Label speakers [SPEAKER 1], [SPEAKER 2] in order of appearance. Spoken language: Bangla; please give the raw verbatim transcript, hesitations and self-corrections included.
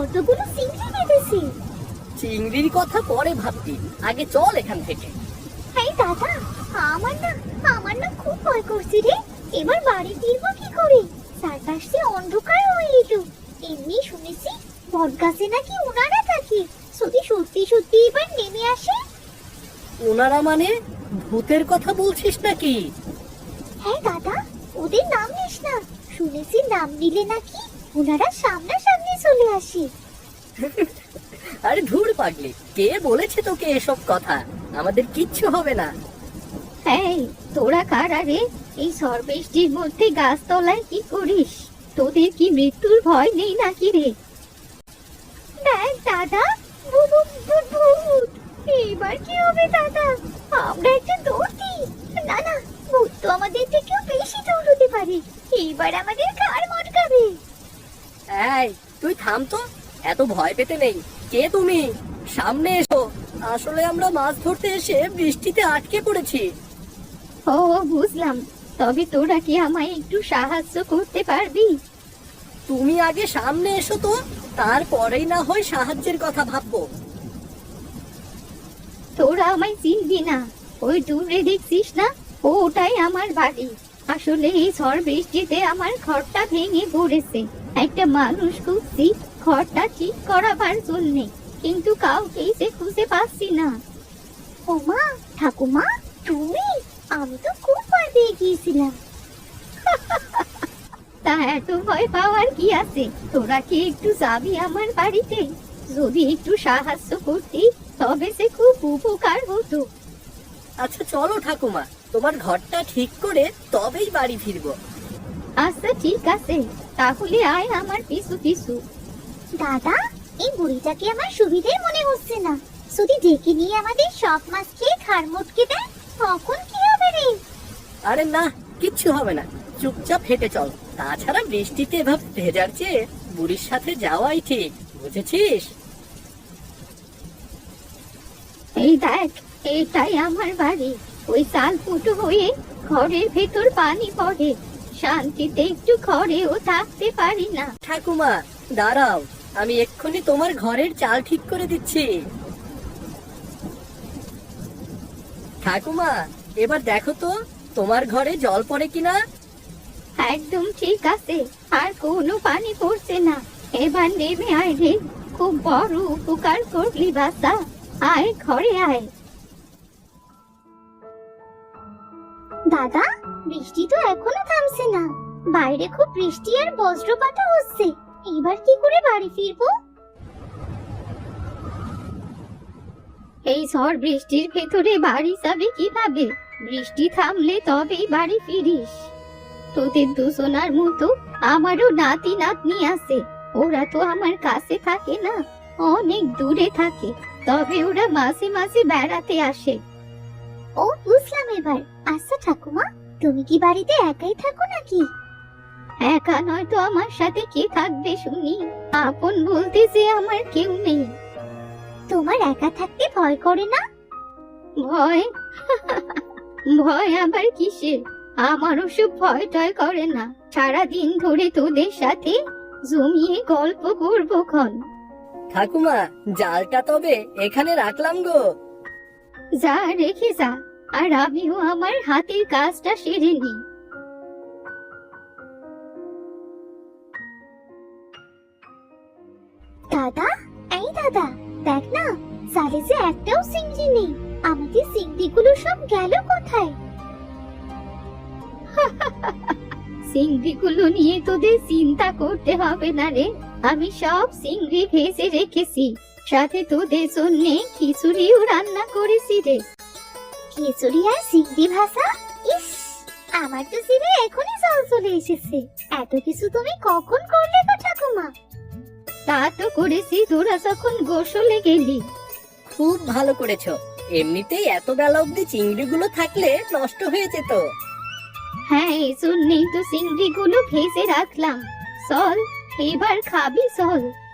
[SPEAKER 1] কতগুলো চিংড়ি বেঁধেছি।
[SPEAKER 2] চিংড়ির কথা পরে ভাবতি, আগে চল এখান থেকে।
[SPEAKER 1] এই দাদা, আমার না আমার না খুব ভয় করছে রে। এবার বাড়ি ফিরবো কি করে? চারপাশে অন্ধকার হয়ে এলো। এমনি শুনেছি বটগাছে নাকি ওনারা থাকে। যদি সত্যি সত্যি এবার নেমে আসে।
[SPEAKER 2] ওনারা মানে ভূতের কথা বলছিস নাকি?
[SPEAKER 1] হ্যাঁ দাদা, ওদের নাম নিস না। শুনেছি নাম নিলে নাকি ওনারা সামনাসামনি চলে আসে।
[SPEAKER 2] আরে ধুর পাগলি, কে বলেছে তোকে এসব কথা? আমাদের কিচ্ছু হবে না।
[SPEAKER 1] এই তোরা কারা রে? এই ঝড় বৃষ্টির মধ্যে গাছতলায় কি করিস? তোদের কি মৃত্যুর ভয় নেই নাকি রে? দেখ দাদা, ভূত ভূত ভূত। এবার কি হবে দাদা? আমরা একটা দৌড় দিই। না না, ভূত তো আমাদের থেকেও বেশি দৌড়তে পারে। এবার আমাদের ঘাড় মটকাবে।
[SPEAKER 2] এই তুই থাম তো, এত ভয় পেতে নেই। কে তুমি? সামনে এসো। আসলে আমরা মাছ ধরতে এসে বৃষ্টিতে আটকে পড়েছি।
[SPEAKER 1] ও বুঝলাম। তবে তোরা কি আমায় একটু সাহায্য করতে পারবি?
[SPEAKER 2] তুমি আগে সামনে এসো তো, তারপরেই না হয় সাহায্যের কথা ভাববো।
[SPEAKER 1] তোরা আমায় চিনবি না। ওই দূরে দেখছিস না, ওটাই আমার বাড়ি। আসলে এই ঝড় বৃষ্টিতে আমার ঘরটা ভেঙে পড়েছে। একটা মানুষ খুঁজছি ঘরটা ঠিক করাবার জন্যে, কিন্তু কাউকেই যে খুঁজে পাচ্ছি না। ওমা, ঠাকুমা তুমি? আমি তো খুব ভয় পেয়ে গিয়েছিলাম। তা এত ভয় পাওয়ার কি আছে? তোরা কি একটু যাবি আমার বাড়িতে? যদি একটু সাহায্য করতি তবে সে খুব উপকার হতো।
[SPEAKER 2] আচ্ছা চলো ঠাকুমা, তোমার ঘরটা ঠিক করে তবেই বাড়ি ফিরবো।
[SPEAKER 1] আচ্ছা ঠিক আছে, তাহলে আয় আমার পিছু পিছু। দাদা, এই বুড়িটাকে আমার সুবিধে মনে হচ্ছে না। যদি ডেকে নিয়ে আমাদের সব মাছ খেয়ে ঘাড় মটকে দেয়, তখন কি হবে রে?
[SPEAKER 2] আরে না, কিচ্ছু হবে না, চুপচাপ হেঁটে চল। তাছাড়া বৃষ্টিতে এভাবে ভেজার চেয়ে বুড়ির সাথে যাওয়াই ঠিক, বুঝেছিস?
[SPEAKER 1] এই দেখ, এটাই আমার বাড়ি। ওই চাল ফুটো হয়ে ঘরের ভেতর পানি পড়ে। শান্তিতে একটু ঘরেও থাকতে পারি না।
[SPEAKER 2] ঠাকুমা দাঁড়াও, আমি এক্ষুনি তোমার ঘরের চাল ঠিক করে দিচ্ছি। ঠাকুমা এবার দেখো তো তোমার ঘরে জল পড়ে কিনা।
[SPEAKER 1] একদম ঠিক আছে, আর কোনো পানি পড়ছে না। এবার নেমে আয় রে, খুব বড় উপকার করলি বাসা। আয় ঘরে আয়। দাদা, বৃষ্টি তো এখনো থামছে না। বাইরে খুব বৃষ্টি আর বজ্রপাতও হচ্ছে। এবার কি করে বাড়ি ফিরবো? এই ঝড় বৃষ্টির ভেতরে বাড়ি যাবে কিভাবে? বৃষ্টি থামলে তবেই বাড়ি ফিরিস। তোদের দুজনার মতো আমারও নাতি নাতনি আছে। ওরা তো আমার কাছে থাকে না, অনেক দূরে থাকে। তবে ওরা মাঝে মাঝে বেড়াতে আসে। ও বুঝলাম এবার। আচ্ছা ঠাকুমা, তুমি কি বাড়িতে একাই থাকো নাকি? একা নয় তো, আমার সাথে কে থাকবে শুনি? আপন বলতে যে আমার কেউ নেই। তোমার একা থাকতে ভয় করে না? ভয়? ভয় আবার কিসের? আমার ওসব ভয় টয় করে না। সারাদিন ধরে তোদের সাথে জমিয়ে গল্প করবো ক্ষণ।
[SPEAKER 2] ঠাকুমা জালটা তবে এখানে রাখলাম গো।
[SPEAKER 1] যা রেখে যা, আর আমিও আমার হাতের কাজটা সেরে নি। দাদা, এই দাদা, দেখ না, জালে যে একটাও চিংড়ি নেই। আমাদের চিংড়িগুলো সব গেল কোথায়? চিংড়িগুলো নিয়ে তোদের চিন্তা করতে হবে না রে। আমি সব চিংড়ি ভেজে রেখেছি, সাথে তোদের জন্য খিচুড়িও রান্না করেছি রে। খিচুড়ি আর চিংড়ি ভাজা? ইস, আমার তো জিভে এখনই জল চলে এসেছে। এত কিছু তুমি কখন করলে গো ঠাকুমা? তা তো করেছি তোরা যখন গোসলে গেলি।
[SPEAKER 2] খুব ভালো করেছো। এমনিতেই এত বেলা অবধি চিংড়িগুলো থাকলে নষ্ট হয়ে যেত।
[SPEAKER 1] হ্যাঁ, এই জন্যই তো চিংড়িগুলো ভেজে রাখলাম। চল এবার খাবি চল।